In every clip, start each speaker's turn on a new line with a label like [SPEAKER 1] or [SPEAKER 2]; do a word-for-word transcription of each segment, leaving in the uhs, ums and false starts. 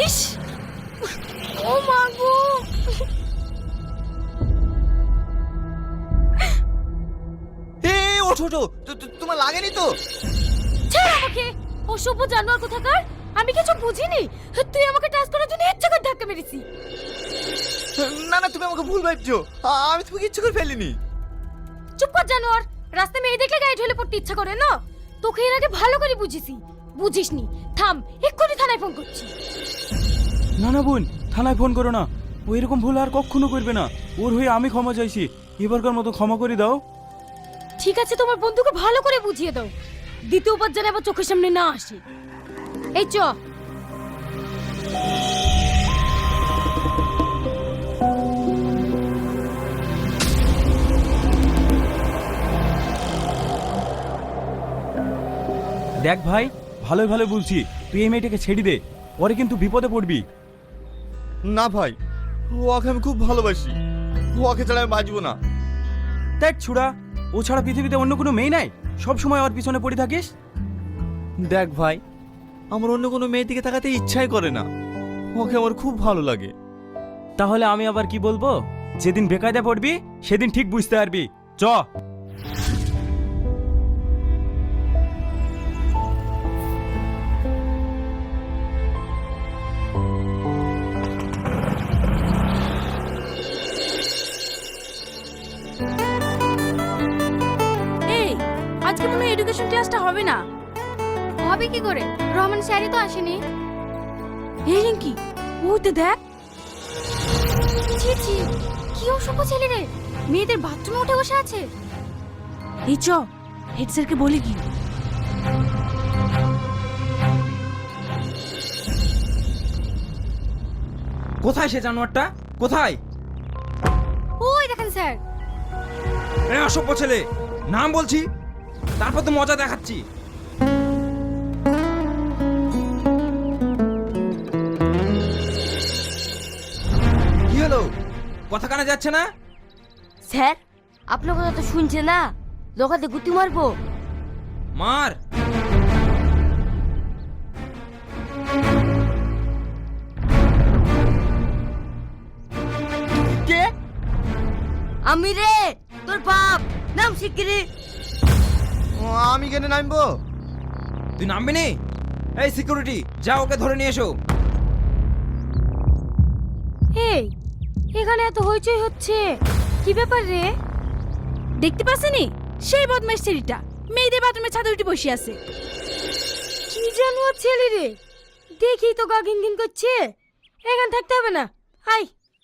[SPEAKER 1] ইস, ও মা গো।
[SPEAKER 2] এই ওঠো ওঠো, তো- তো- তোমার লাগেনি তো?
[SPEAKER 1] ছেড়ে আমাকে, অসভ্য জানোয়ার কোথাকার। আমি কিছু বুঝিনি, তুই আমাকে টাচ করার জন্য ইচ্ছা করে ধাক্কা মেরেছি।
[SPEAKER 2] না না, তুমি আমাকে ভুল ভাবছো। আ- আমি তোমাকে ইচ্ছে করে ফেলিনি।
[SPEAKER 1] চুপ কর জানোয়ার, রাস্তায় মেয়ে দেখলে গায়ে ঢলে পড়তে ইচ্ছা করে না? তোকে এর আগে ভালো করে বুঝিছি, বুঝিসনি। থাম, এক্ষুনি থানায় ফোন করছি।
[SPEAKER 3] না না বোন, থানায় ফোন করো না। ও এরকম ভুল আর কখনো করবে না। ওর হয়ে আমি ক্ষমা চাইছি, এবারকার মতো ক্ষমা করে দাও।
[SPEAKER 1] ঠিক আছে, তোমার বন্ধুকে ভালো করে বুঝিয়ে দাও, দ্বিতীয়বার যেন আবার চোখের সামনে না আসে। এই চ।
[SPEAKER 3] দেখ ভাই, ভালোই ভালো বলছি, তুই এই মেয়েটাকে ছেড়ে দে, পরে কিন্তু বিপদে পড়বি।
[SPEAKER 2] না ভাই, ওকে আমি খুব ভালোবাসি, ওকে ছাড়া আমি বাঁচবো না।
[SPEAKER 3] দেখ ছুড়া, ও ছাড়া পৃথিবীতে অন্য কোনো মেয়ে নাই, সব সময় ওর পিছনে পড়ে থাকিস।
[SPEAKER 2] দেখ ভাই, আমার অন্য কোনো মেয়ের দিকে তাকাতে ইচ্ছাই করে না, ওকে আমার খুব ভালো লাগে।
[SPEAKER 3] তাহলে আমি আবার কি বলবো? যেদিন বেকায়দা পড়বি সেদিন ঠিক বুঝতে পারবি। চ।
[SPEAKER 1] এই, আজকে মনে হয় এডুকেশন ক্লাসটা হবে না। হবে কি করে? রহমান স্যারই তো আসেনি। এই রিঙ্কি, ওতে দেখ। ছি ছি, কি অসভ্য ছেলে রে, মেয়েদের বাথরুমে উঠে বসে আছে। এই চ, হেড স্যারকে বলি কি।
[SPEAKER 4] কোথায় সে জানোয়ারটা? কোথায়?
[SPEAKER 1] ওই দেখেন স্যার।
[SPEAKER 4] এ অসভ্য ছেলে, নাম বলছি, তারপর তো মজা দেখাচ্ছি। কি হলো, কথা কানে যাচ্ছে না?
[SPEAKER 5] স্যার, আপনার কথা তো শুনছে না, লোকাতে গুতি মারবো।
[SPEAKER 4] মার।
[SPEAKER 2] কে?
[SPEAKER 5] আমি রে, তোর বাপ, নাম শিগগিরি।
[SPEAKER 2] আমি কেন নামবো?
[SPEAKER 4] তুই নামবি নি? এই সিকিউরিটি, যা ওকে ধরে নিয়ে এসো।
[SPEAKER 1] এই, এখানে এত হইচই হচ্ছে, কি ব্যাপার রে? দেখতে পাচ্ছেনি সেই বদমাইশ ছেলেটা মেয়েদের বাথরুমে ছাদে উঠে বসে আছে। কি জানোয়ার ছেলে রে, দেখি তো গা ঘিন ঘিন করছে। এখানে থাকতে হবে না, আই।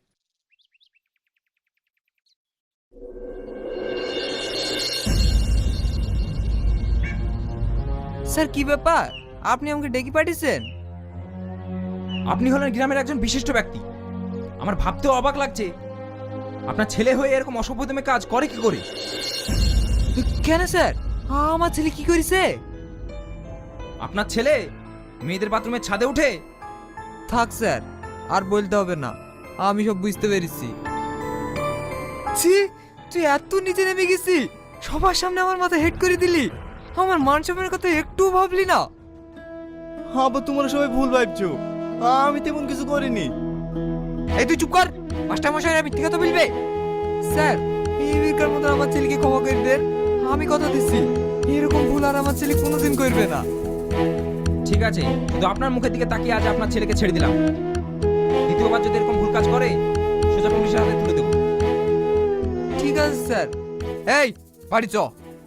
[SPEAKER 6] স্যার কি ব্যাপার, আপনি আমাকে ডেকে পাঠিয়েছেন?
[SPEAKER 4] আপনি হলেন গ্রামের একজন বিশিষ্ট ব্যক্তি, আমার ভাবতেও অবাক লাগছে আপনার ছেলে হয়ে এরকম অসভ্যতমে কাজ করে কি করে?
[SPEAKER 6] কেন স্যার, আমার ছেলে কি করেছে?
[SPEAKER 4] আপনার ছেলে মেয়েদের বাথরুমের ছাদে উঠে।
[SPEAKER 6] থাক স্যার, আর বলতে হবে না, আমি সব বুঝতে পেরেছি। ছি, তুই এত নিচে নেমে গেছি, সবার সামনে আমার মাথা হেড করে দিলি, আমার মান সম্মানের কথা একটু ভাবলি না?
[SPEAKER 2] আবার তোমরা সবাই ভুল ভাবছো, আমি তেমন কিছু করিনি।
[SPEAKER 6] এই তুই চুপ কর, মাস্টার মশাই মিথ্যে কথা বলবে। স্যার, এই বিকার মতো আমার ছেলেকে ক্ষমা করে দেন, আমি কথা দিচ্ছি এরকম ভুল আর আমার ছেলে কোনোদিন করবে না।
[SPEAKER 4] ঠিক আছে, শুধু আপনার মুখের দিকে তাকিয়ে আজ আপনার ছেলেকে ছেড়ে দিলাম, দ্বিতীয়বার যদি এরকম ভুল কাজ করে সোজা পুলিশের হাতে তুলে দেবো।
[SPEAKER 6] ঠিক আছে স্যার, এই বাড়ি চ।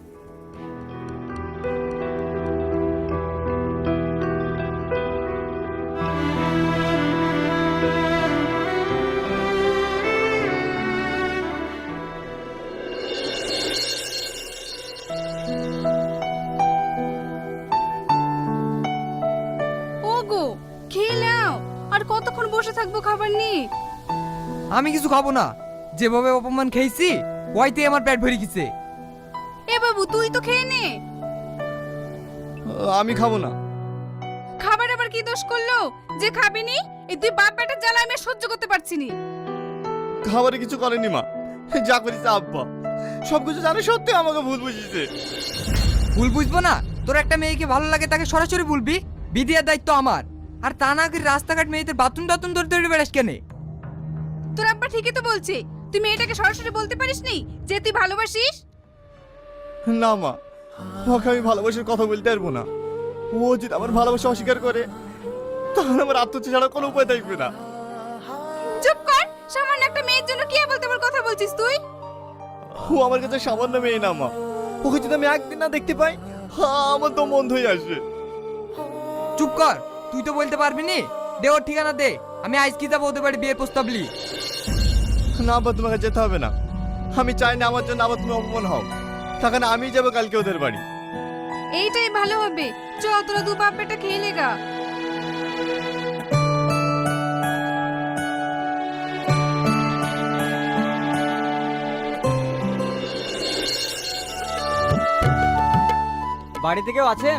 [SPEAKER 1] ওগো, খেয়ে নাও, আর কতক্ষণ বসে থাকবো খাবার নিয়ে?
[SPEAKER 6] আমি কিছু খাবো না, যেভাবে অপমান খেয়েছি ওইতে আমার পেট ভরে গেছে।
[SPEAKER 1] এ বাবু, তুই তো খেয়ে নে।
[SPEAKER 2] আমি খাবো না।
[SPEAKER 1] খাবার আবার কি দোষ করলো যে খাবিনি? এই তুই বাপ বেটার জ্বালা আমি আর সহ্য করতে পারছি না।
[SPEAKER 2] খাবারে কিছু করেনি মা, যা করেছে আব্বা, সবকিছু জানে সত্যি আমাকে ভুল বুঝিয়েছে।
[SPEAKER 6] ভুল বুঝবো না? তোর একটা মেয়েকে ভালো লাগে তাকে সরাসরি বলবি, বিদিয়ার দায়িত্ব আমার। আর তা না করে রাস্তাঘাট মেয়েদের বাথরুম টাথরুম ধরে ধরে বেড়াস কেন?
[SPEAKER 7] তোর আব্বা ঠিকই তো বলছে, তুই মেয়েটাকে সরাসরি বলতে পারিসনি যে তুই ভালোবাসিস?
[SPEAKER 2] না মা, ওকে আমি ভালোবাসার কথা বলতে পারবো না। ও যদি আমার ভালোবাসা অস্বীকার করে তাহলে আমার আত্মহত্যা ছাড়া কোনো উপায় থাকবে না।
[SPEAKER 7] চুপ কর, সামান্য একটা মেয়ের জন্য কি বলতে বল কথা বলছিস তুই?
[SPEAKER 2] ও আমার কাছে সামান্য মেয়ে না মা, ওকে যদি আমি একদিন না দেখতে পাই হ্যাঁ আমার তো মন হয়ে আসবে।
[SPEAKER 6] চুপ কর, তুই তো বলতে পারবি নি। দে ওর ঠিকানা দে, আমি আজ কি যাবো ওদের বাড়ি বিয়ের প্রস্তাব লি।
[SPEAKER 2] না আবার তোমাকে যেতে হবে না, আমি চাই না আমার জন্য আবার তুমি অপমান হও। তখন আমি যাবো কালকে ওদের বাড়ি।
[SPEAKER 7] এইটাই ভালো হবে, চ তোরা দু বাপ বেটা খেয়ে লেগা।
[SPEAKER 8] বাড়িতে কেউ আছেন?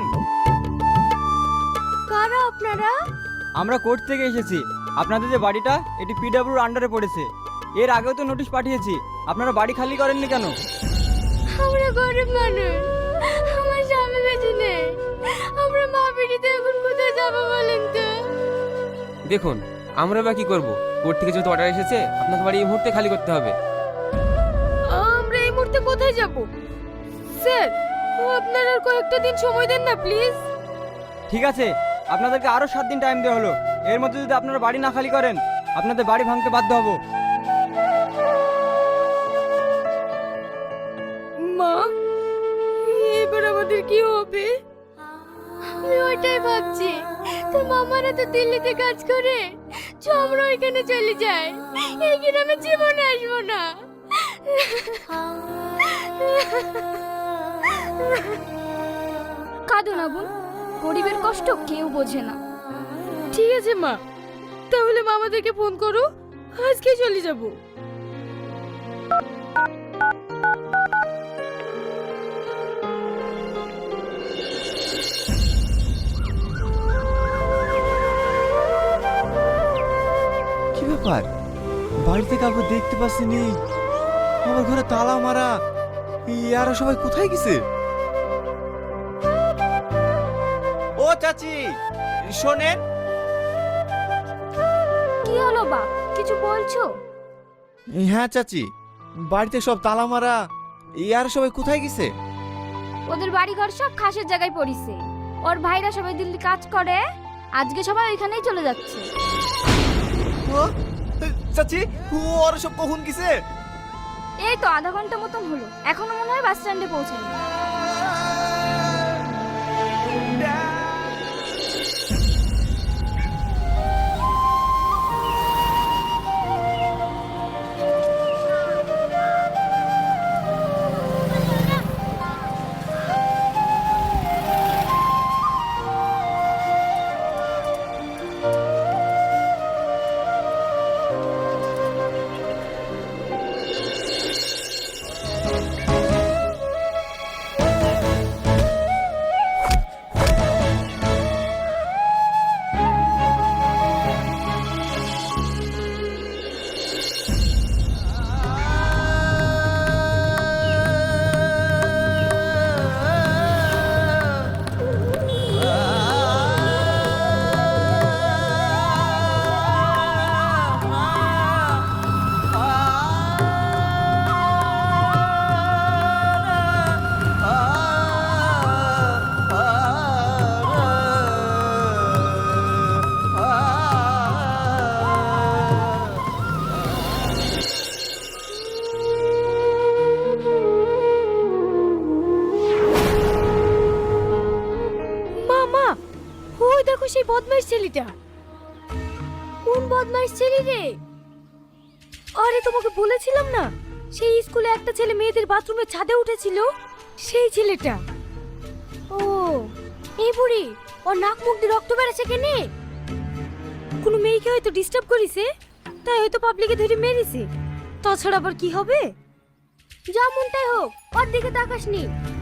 [SPEAKER 5] কারা আপনারা?
[SPEAKER 8] আমরা কোর্ট থেকে এসেছি। আপনাদের যে বাড়িটা এটি পিডব্লিউর আন্ডারে পড়েছে। এর আগেও তো নোটিশ পাঠিয়েছি, আপনারা বাড়ি খালি করেননি কেন?
[SPEAKER 5] আমরা গরিব মানুষ, আমার স্বামী বেঁচে নেই, আমরা মা বেটিতে এখন কোথায় যাবো বলেন তো?
[SPEAKER 9] দেখুন, আমরা বা কি করবো? কোর্ট থেকে যেহেতু অর্ডার এসেছে, আপনাকে বাড়ি এই মুহূর্তে খালি করতে হবে।
[SPEAKER 5] আমরা এই মুহূর্তে কোথায় যাব? স্যার, আপনারা আর কয়েকটা দিন সময় দেন না প্লিজ।
[SPEAKER 8] ঠিক আছে, আপনাদেরকে আরো সাত দিন টাইম দেওয়া হলো। এর মধ্যে যদি আপনারা বাড়ি না খালি করেন আপনাদের বাড়ি ভাঙতে বাধ্য হব।
[SPEAKER 5] মা, এবার আমাদের কি হবে? আমি ওইটাই ভাবছি, তোর মামারা তো দিল্লিতে কাজ করে, চ আমরা ওইখানে চলে যাই, এই গ্রামে জীবনে আসবো না।
[SPEAKER 1] কাঁদো না বোন, গরিবের কষ্ট কেউ বোঝে না।
[SPEAKER 5] ঠিক আছে মা, তাহলে মামাদেরকে ফোন করো, আজকে চলে যাব।
[SPEAKER 2] কি ব্যাপার, বাড়িতে কাউকে দেখতে পাচ্ছি নি, আমার ঘরে তালা মারা, ইয়ারা সবাই কোথায় গেছে? ও চাচি শোনেন।
[SPEAKER 1] কি হলো বাপ, কিছু বলছো?
[SPEAKER 2] হ্যাঁ চাচি, বাড়িতে সব তালা মারা, ইয়ারা সবাই কোথায় গেছে?
[SPEAKER 1] ওদের বাড়ি ঘর সব খাসের জায়গায় পড়িছে। ওর ভাইরা সবাই দিল্লি কাজ করে, আজকে সবাই ওইখানেই চলে যাচ্ছে।
[SPEAKER 2] ও, চাচি ও ওরা সব কখন গেছে?
[SPEAKER 1] এই তো আধা ঘন্টা মতন হলো, এখনো মনে হয় বাস স্ট্যান্ডে পৌঁছায়নি।
[SPEAKER 5] সেই বদমাইশ ছেলেটা। কোন বদমাইশ ছেলে রে? আরে তোমাকে বলেছিলাম না, সেই স্কুলে একটা ছেলে মেয়েদের বাথরুমের ছাদে উঠেছিল, সেই ছেলেটা। ও এই বুড়ি, ওর নাক মুখ দিয়ে রক্ত বেরোচ্ছে কেনে? কোনো মেয়েকে হয়তো ডিস্টার্ব করেছে, তাই হয়তো পাবলিকে ধরে মেরেছে। তাছাড়া আবার কি হবে? যা মনটাই হোক, ওর দিকে তাকাসনি।